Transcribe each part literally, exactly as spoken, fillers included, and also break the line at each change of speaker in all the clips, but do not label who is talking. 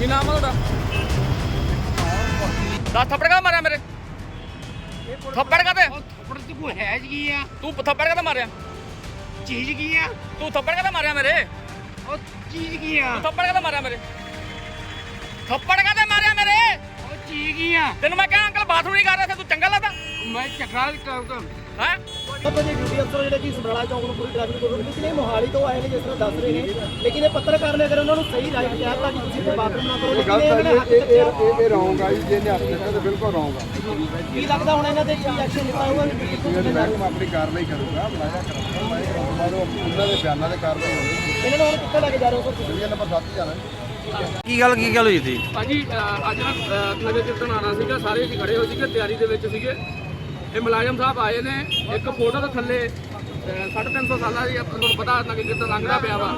ਨਾਮ ਆ ਤੁਹਾਡਾ? ਦਸ ਥੱਪੜ ਕਾ ਮਾਰਿਆ ਮੇਰੇ? ਥੱਪੜ ਕਾ ਤੇ
ਥੱਪੜ ਤੇ ਕੋਈ ਹੈ ਜੀ ਆ?
ਤੂੰ ਥੱਪੜ ਕਾ ਮਾਰਿਆ?
ਚੀਜ਼ ਕੀ ਆ?
ਤੂੰ ਥੱਪੜ ਕਾ ਮਾਰਿਆ ਮੇਰੇ?
ਉਹ ਚੀਜ਼ ਕੀ ਆ?
ਤੂੰ ਥੱਪੜ ਕਾ ਮਾਰਿਆ ਮੇਰੇ? ਥੱਪੜ ਕਾ ਤੇ ਮਾਰਿਆ ਮੇਰੇ?
ਉਹ ਚੀਜ਼ ਕੀ ਆ?
ਤੈਨੂੰ ਮੈਂ ਕਿਹਾ ਅੰਕਲ ਬਾਥਰੂਮ ਨਹੀਂ ਕਰ ਰਿਹਾ ਸੀ, ਤੂੰ ਚੰਗਾ ਲੱਗਦਾ
ਮੈਂ ਚੱਕਰਾ
ਹੈ?
ਆਪਾਂ ਦੇ ਡਿਊਟੀ ਅਫਸਰ ਜਿਹੜੇ ਕਿ ਸਮਰਾਲਾ ਚੌਂਕ ਨੂੰ ਪੂਰੀ ਟ੍ਰੈਫਿਕ ਕੋਲ ਲੇਕਿਨ ਇਹ ਮੋਹਾਲੀ ਤੋਂ ਆਏ ਨੇ ਜਿਸ ਤਰ੍ਹਾਂ ਦੱਸ ਰਹੇ ਨੇ, ਲੇਕਿਨ ਇਹ ਪੱਤਰਕਾਰ ਨੇ ਅਗਰ ਉਹਨਾਂ ਨੂੰ ਸਹੀ ਰਾਇ ਦਿੱਤਾ ਤਾਂ ਕਿ ਤੁਸੀਂ ਤੇ ਬਾਥਰੂਮ ਨਾ ਕਰੋ, ਲੇਕਿਨ ਇਹਨਾਂ ਨੇ ਹੱਥ ਚੱਕਿਆ।
ਇਹ ਰੌਂਗ ਆ ਜੀ, ਜੇ ਇਹਨੇ ਹੱਥ ਚੱਕਿਆ ਤਾਂ ਬਿਲਕੁਲ ਰੌਂਗ ਆ।
ਕੀ ਲੱਗਦਾ ਹੁਣ ਇਹਨਾਂ ਤੇ ਕੀ ਐਕਸ਼ਨ ਲਿੱਤਾ ਹੋਊਗਾ?
ਜਿਹੜੀ ਮਹਿਕਮਾ ਆਪਣੀ ਕਾਰਵਾਈ ਕਰੂਗਾ, ਬੁਲਾਇਆ ਕਰਾਂਗਾ, ਮੈਂ ਕਰਾਂਗਾ ਬਾਅਦ ਉਹਨਾਂ ਦੇ ਬਿਆਨਾਂ ਤੇ ਕਾਰਵਾਈ ਹੋਣੀ।
ਇਹਨਾਂ ਨੂੰ ਹੁਣ ਕਿੱਥੇ ਲੈ ਕੇ ਜਾ ਰਹੇ ਹੋ ਤੁਸੀਂ?
ਜਿਹੜੀ ਨੰਬਰ ਸੱਤ ਜਾਣਾ।
ਕੀ ਗੱਲ ਕੀ ਗੱਲ ਹੋਈ ਸੀ?
ਭਾਜੀ ਅੱਜ ਨਾ ਨਗਰ ਕੀਰਤਨ ਆਉਣਾ ਸੀਗਾ, ਸਾਰੇ ਅਸੀਂ ਖੜੇ ਹੋਏ ਸੀਗੇ, ਤਿਆਰੀ ਦੇ ਵਿੱਚ ਸੀਗੇ। ਇਹ ਮੁਲਾਜ਼ਮ ਸਾਹਿਬ ਆਏ ਨੇ, ਇੱਕ ਫੋਟੋ ਦੇ ਥੱਲੇ ਸਾਢੇ ਤਿੰਨ ਸੌ ਸਾਲਾਂ ਦੀ ਤੁਹਾਨੂੰ ਪਤਾ ਨਗਰ ਕੀਰਤਨ ਲੰਘਦਾ ਪਿਆ ਵਾ।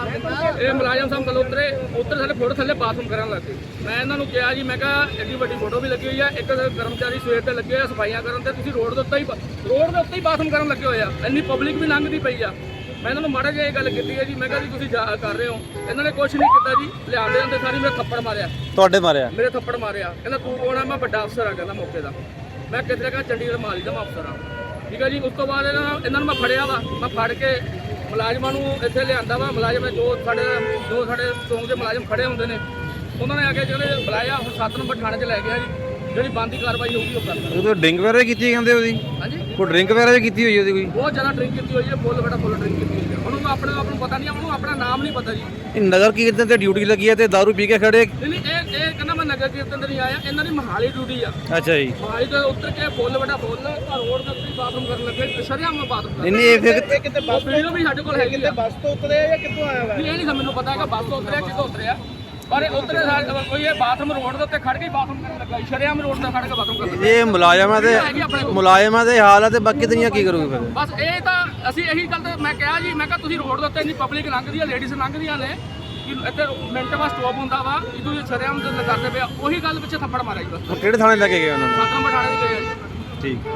ਇਹ ਮੁਲਾਜ਼ਮ ਸਾਹਿਬ ਕੋਲ ਉਤਰੇ ਉੱਤਰ ਸਾਡੇ ਫੋਟੋ ਥੱਲੇ ਬਾਥਰੂਮ ਕਰਨ ਲੱਗੇ। ਮੈਂ ਇਹਨਾਂ ਨੂੰ ਕਿਹਾ ਜੀ, ਮੈਂ ਕਿਹਾ ਐਡੀ ਵੱਡੀ ਫੋਟੋ ਵੀ ਲੱਗੀ ਹੋਈ ਆ, ਇੱਕ ਕਰਮਚਾਰੀ ਸਵੇਰ ਤੇ ਲੱਗੇ ਹੋਏ ਸਫਾਈਆਂ ਕਰਨ ਤੇ ਤੁਸੀਂ ਰੋਡ ਦੇ ਉੱਤੇ ਹੀ ਰੋਡ ਦੇ ਉੱਤੇ ਹੀ ਬਾਥਰੂਮ ਕਰਨ ਲੱਗੇ ਹੋਏ ਆ, ਇੰਨੀ ਪਬਲਿਕ ਵੀ ਲੰਘਦੀ ਪਈ ਆ। ਮੈਂ ਇਹਨਾਂ ਨੂੰ ਮਾੜਾ ਜਿਹਾ ਇਹ ਗੱਲ ਕੀਤੀ ਹੈ ਜੀ, ਮੈਂ ਕਿਹਾ ਜੀ ਤੁਸੀਂ ਜਾ ਕਰ ਰਹੇ ਹੋ, ਇਹਨਾਂ ਨੇ ਕੁਛ ਨਹੀਂ ਕੀਤਾ ਜੀ, ਲਿਆਉਂਦੇ ਆਉਂਦੇ ਸਾਰੀ ਮੇਰੇ ਥੱਪੜ ਮਾਰਿਆ।
ਤੁਹਾਡੇ ਮਾਰਿਆ?
ਮੇਰੇ ਥੱਪੜ ਮਾਰਿਆ। ਕਹਿੰਦਾ ਤੂੰ ਕੌਣ ਆ? ਮੈਂ ਵੱਡਾ ਅਫਸਰ ਆ ਕਹਿੰਦਾ ਮੌਕੇ ਦਾ। ਮੈਂ ਕਿਤੇ ਕਹਾਂ ਚੰਡੀਗੜ੍ਹ ਮਾਲੀ ਦਾ ਮੈਂ ਅਫਸਰ ਆ, ਠੀਕ ਹੈ ਜੀ। ਉਸ ਤੋਂ ਬਾਅਦ ਇਹਨਾਂ ਇਹਨਾਂ ਨੂੰ ਮੈਂ ਫੜਿਆ ਵਾ, ਮੈਂ ਫੜ ਕੇ ਮੁਲਾਜ਼ਮਾਂ ਨੂੰ ਇੱਥੇ ਲਿਆਂਦਾ ਵਾ। ਮੁਲਾਜ਼ਮ ਜੋ ਸਾਡੇ ਜੋ ਸਾਡੇ ਚੌਂਕ ਦੇ ਮੁਲਾਜ਼ਮ ਖੜੇ ਹੁੰਦੇ ਨੇ, ਉਹਨਾਂ ਨੇ ਆ ਕੇ ਜਿਹੜੇ ਬੁਲਾਇਆ, ਹੁਣ ਸੱਤ ਨੰਬਰ ਥਾਣੇ 'ਚ ਲੈ ਗਿਆ ਜੀ। ਜਿਹੜੀ ਬੰਦੀ ਕਾਰਵਾਈ ਹੋਊਗੀ ਉਹ ਕਰਦਾ।
ਉਹ ਡਰਿੰਕ ਵਗੈਰਾ ਵੀ ਕੀਤੀ ਕਹਿੰਦੇ ਉਹਦੀ?
ਹਾਂਜੀ,
ਕੋਈ ਡਰਿੰਕ ਵਗੈਰਾ ਵੀ ਕੀਤੀ ਹੋਈ ਉਹਦੀ ਕੋਈ?
ਬਹੁਤ ਜ਼ਿਆਦਾ ਡਰਿੰਕ ਕੀਤੀ ਹੋਈ ਹੈ, ਫੁੱਲ ਬੜਾ ਫੁੱਲ ਡਰਿੰਕ ਕੀਤੀ ਹੋਈ ਹੈ। ਉਹਨੂੰ ਆਪਣੇ ਆਪ ਨੂੰ ਪਤਾ ਨਹੀਂ, ਉਹਨੂੰ ਆਪਣਾ ਨਾਮ ਨਹੀਂ ਪਤਾ ਜੀ।
ਇਹ ਨਗਰ ਕੀਰਤਨ ਤੇ ਡਿਊਟੀ ਲੱਗੀ ਹੈ ਤੇ ਦਾਰੂ ਪੀ ਕੇ ਖੜੇ?
ਨਹੀਂ ਨਹੀਂ, ਇਹ ਇਹ ਕਹਿੰਦਾ ਮੈਂ ਨਗਰ ਕੀਰਤਨ ਤੇ ਨਹੀਂ ਆਇਆ, ਇਹਨਾਂ ਦੀ ਮਹਾਲੀ ਡਿਊਟੀ ਆ।
ਅੱਛਾ ਜੀ।
ਮਹਾਲੀ ਤੋਂ ਉੱਤਰ ਕੇ ਫੁੱਲ ਬੜਾ ਫੁੱਲ ਰੋਡ ਦੇ ਉੱਤੇ ਬਾਥਰੂਮ ਕਰਨ ਲੱਗੇ, ਸ਼ਰਿਆਮ ਬਾਥਰੂਮ
ਨਹੀਂ ਨਹੀਂ ਇਹ ਫਿਰ
ਇਹ ਕਿਤੇ ਬੱਸ ਤੋਂ
ਵੀਡੀਓ ਵੀ ਸਾਡੇ ਕੋਲ ਹੈਗੀ ਆ।
ਬੱਸ ਤੋਂ ਉਤਰੇ ਆ ਜਾਂ ਕਿੱਥੋਂ ਆਇਆ ਵਾ?
ਨਹੀਂ, ਇਹ ਨਹੀਂ ਮੈਨੂੰ ਪਤਾ ਹੈਗਾ ਬੱਸ ਤੋਂ ਉਤਰਿਆ ਕਿੱਥੋਂ ਉਤਰਿਆ, ਪਰ ਇਹ ਉਤਰੇ ਕੋਈ ਇਹ ਬਾਥਰੂਮ ਰੋਡ ਦੇ ਉੱਤੇ ਖੜ ਕੇ ਹੀ ਬਾਥਰੂਮ ਕਰਨ ਲੱਗਾ, ਸ਼ਰਿਆਮ ਰੋਡ ਤੇ ਖੜ ਕੇ ਬਾਥਰੂਮ ਕਰਨ ਲੱਗਾ।
ਇਹ ਮੁਲਾਜ਼ਮਾਂ ਦੇ ਮੁਲਾਜ਼ਮਾਂ ਦੇ ਹਾਲ ਆ ਤੇ ਬਾਕੀ ਦੁਨੀਆ ਕੀ ਕਰੂਗੀ ਫਿਰ?
ਬਸ ਇਹ ਤਾਂ ਅਸੀਂ ਇਹੀ ਗੱਲ ਤੇ ਮੈਂ ਕਿਹਾ ਜੀ, ਮੈਂ ਕਿਹਾ ਤੁਸੀਂ ਰੋਡ ਦੇ ਉੱਤੇ ਇੰਨੀ ਪਬਲਿਕ ਲੰਘਦੀ ਆ, ਲੇਡੀਜ਼ ਲੰਘਦੀਆਂ ਨੇ ਕਿ ਇੱਥੇ ਮਿੰਟ ਬਾਅਦ ਸਟਾਪ ਹੁੰਦਾ ਵਾ, ਜਦੋਂ ਇਹ ਸ਼ਰਿਆਮ ਤੇ ਕਰਦੇ ਪਿਆ, ਉਹੀ ਗੱਲ ਪਿੱਛੇ ਥੱਪੜ ਮਾਰਿਆ ਜੀ। ਬਸ
ਹੁਣ ਕਿਹੜੇ ਥਾਣੇ ਲੈ ਕੇ ਗਏ ਉਹਨਾਂ ਨੂੰ?
ਸੱਤ ਨੰਬਰ ਥਾਣੇ 'ਚ ਗਏ ਆ ਜੀ।
ਠੀਕ।